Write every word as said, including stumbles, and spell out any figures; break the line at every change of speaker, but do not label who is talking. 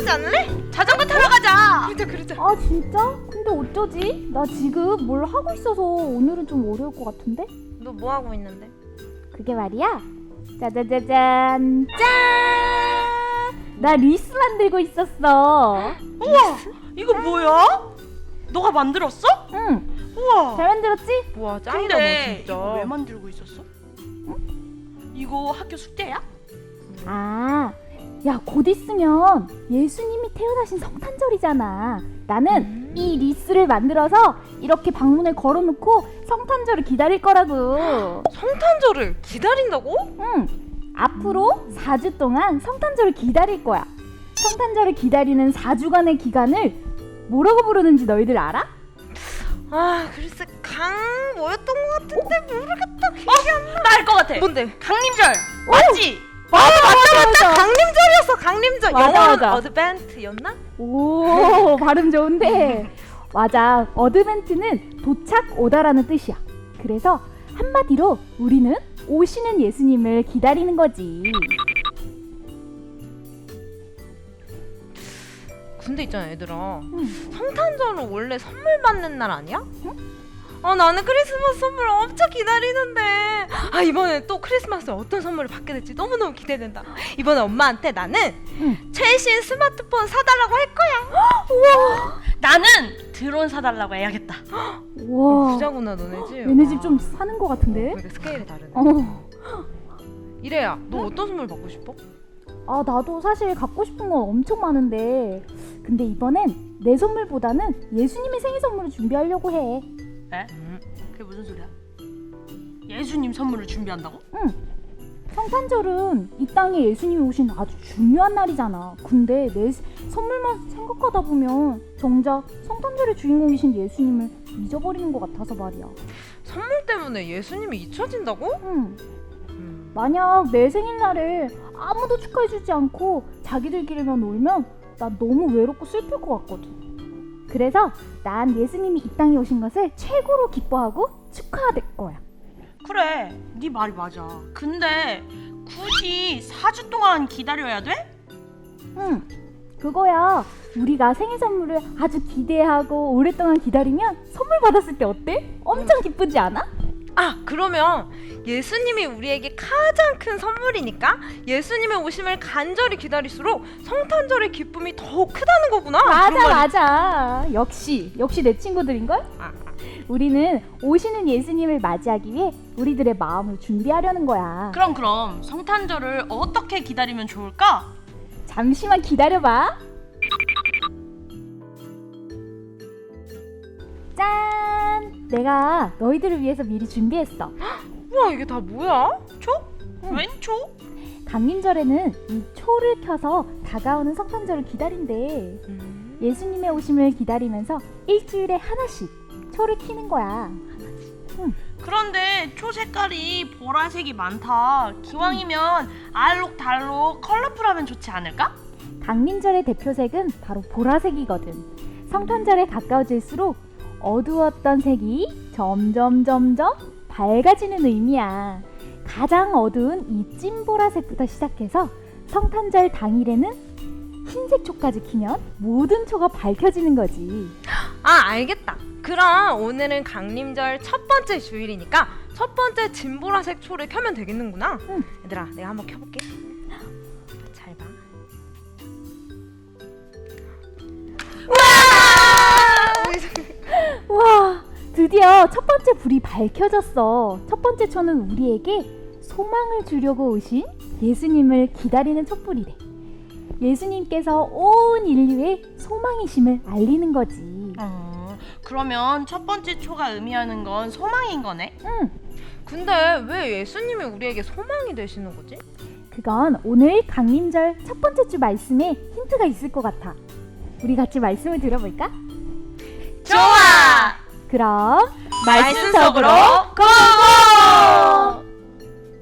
가지 않을래?
자전거 타러 가자.
그러자 그러자.
아 진짜? 근데 어쩌지? 나 지금 뭘 하고 있어서 오늘은 좀 어려울 것 같은데?
너 뭐 하고 있는데?
그게 말이야. 짜자자잔 짠! 나 리스 만들고 있었어.
우와, 이거 뭐야? 너가 만들었어?
응,
우와.
잘 만들었지?
와 짱이다
근데
너 진짜.
이거 왜 만들고 있었어? 이거 학교 숙제야?
아, 야, 곧 있으면 예수님이 태어나신 성탄절이잖아. 나는
음.
이 리스를 만들어서 이렇게 방문에 걸어놓고 성탄절을 기다릴 거라고.
성탄절을 기다린다고?
응, 앞으로 사 주 동안 성탄절을 기다릴 거야. 성탄절을 기다리는 사 주간의 기간을 뭐라고 부르는지 너희들 알아?
아 글쎄 강 뭐였던 것 같은데 모르겠다. 기억이 안 나.
나 알 것 같아.
뭔데?
강림절. 맞지?
맞아, 맞아, 맞아.
강림절이었어. 강림절.
맞아,
영어는
맞아.
어드벤트였나?
오, 발음 좋은데. 맞아, 어드벤트는 도착 오다라는 뜻이야. 그래서 한마디로 우리는 오시는 예수님을 기다리는 거지.
근데 있잖아 얘들아.
응.
성탄절은 원래 선물 받는 날 아니야? 아 나는 크리스마스 선물 엄청 기다리는데 아 이번에 또 크리스마스에 어떤 선물을 받게 될지 너무너무 기대된다. 이번에 엄마한테 나는
응.
최신 스마트폰 사달라고 할 거야.
나는 드론 사달라고 해야겠다.
우와,
부자구나 너네 집.
얘네 집 좀 사는 거 같은데?
그러니까 스케일이 다르네.
어.
이래야 너 어떤 선물 받고 싶어?
아, 나도 사실 갖고 싶은 건 엄청 많은데 근데 이번엔 내 선물보다는 예수님의 생일 선물을 준비하려고 해.
에? 그게 무슨 소리야? 예수님 선물을 준비한다고?
응. 성탄절은 이 땅에 예수님이 오신 아주 중요한 날이잖아. 근데 내 선물만 생각하다 보면 정작 성탄절의 주인공이신 예수님을 잊어버리는 것 같아서 말이야.
선물 때문에 예수님이 잊혀진다고?
응.
음.
만약 내 생일날에 아무도 축하해주지 않고 자기들끼리만 놀면 나 너무 외롭고 슬플 것 같거든. 그래서 난 예수님이 이 땅에 오신 것을 최고로 기뻐하고 축하할 거야.
그래, 네 말이 맞아. 근데 굳이 사 주 동안 기다려야 돼?
응, 그거야. 우리가 생일 선물을 아주 기대하고 오랫동안 기다리면 선물 받았을 때 어때? 엄청 기쁘지 않아?
아 그러면 예수님이 우리에게 가장 큰 선물이니까 예수님의 오심을 간절히 기다릴수록 성탄절의 기쁨이 더욱 크다는 거구나.
맞아,
그런 말이-
맞아. 역시 역시 내 친구들인걸?
아,
우리는 오시는 예수님을 맞이하기 위해 우리들의 마음을 준비하려는 거야.
그럼 그럼 성탄절을 어떻게 기다리면 좋을까?
잠시만 기다려봐. 짠! 내가 너희들을 위해서 미리 준비했어.
우와 이게 다 뭐야?
초?
응.
웬 초?
강림절에는 이 초를 켜서 다가오는 성탄절을 기다린대.
음.
예수님의 오심을 기다리면서 일주일에 하나씩 초를 켜는 거야.
그런데 초 색깔이 보라색이 많다. 기왕이면 알록달록 컬러풀하면 좋지 않을까?
강림절의 대표색은 바로 보라색이거든. 성탄절에 가까워질수록 어두웠던 색이 점점 점점 밝아지는 의미야. 가장 어두운 이 찐보라색부터 시작해서 성탄절 당일에는 흰색 초까지 키면 모든 초가 밝혀지는 거지.
아 알겠다. 그럼 오늘은 강림절 첫 번째 주일이니까 첫 번째 진보라색 초를 켜면 되겠는구나.
응.
얘들아 내가 한번 켜볼게. 잘 봐.
와, 드디어 첫 번째 불이 밝혀졌어. 첫 번째 초는 우리에게 소망을 주려고 오신 예수님을 기다리는 촛불이래. 예수님께서 온 인류의 소망이심을 알리는 거지.
어, 그러면 첫 번째 초가 의미하는 건 소망인 거네?
응,
근데 왜 예수님이 우리에게 소망이 되시는 거지?
그건 오늘 강림절 첫 번째 주 말씀에 힌트가 있을 것 같아. 우리 같이 말씀을 들어볼까?
좋아!
그럼
말씀 속으로
고고!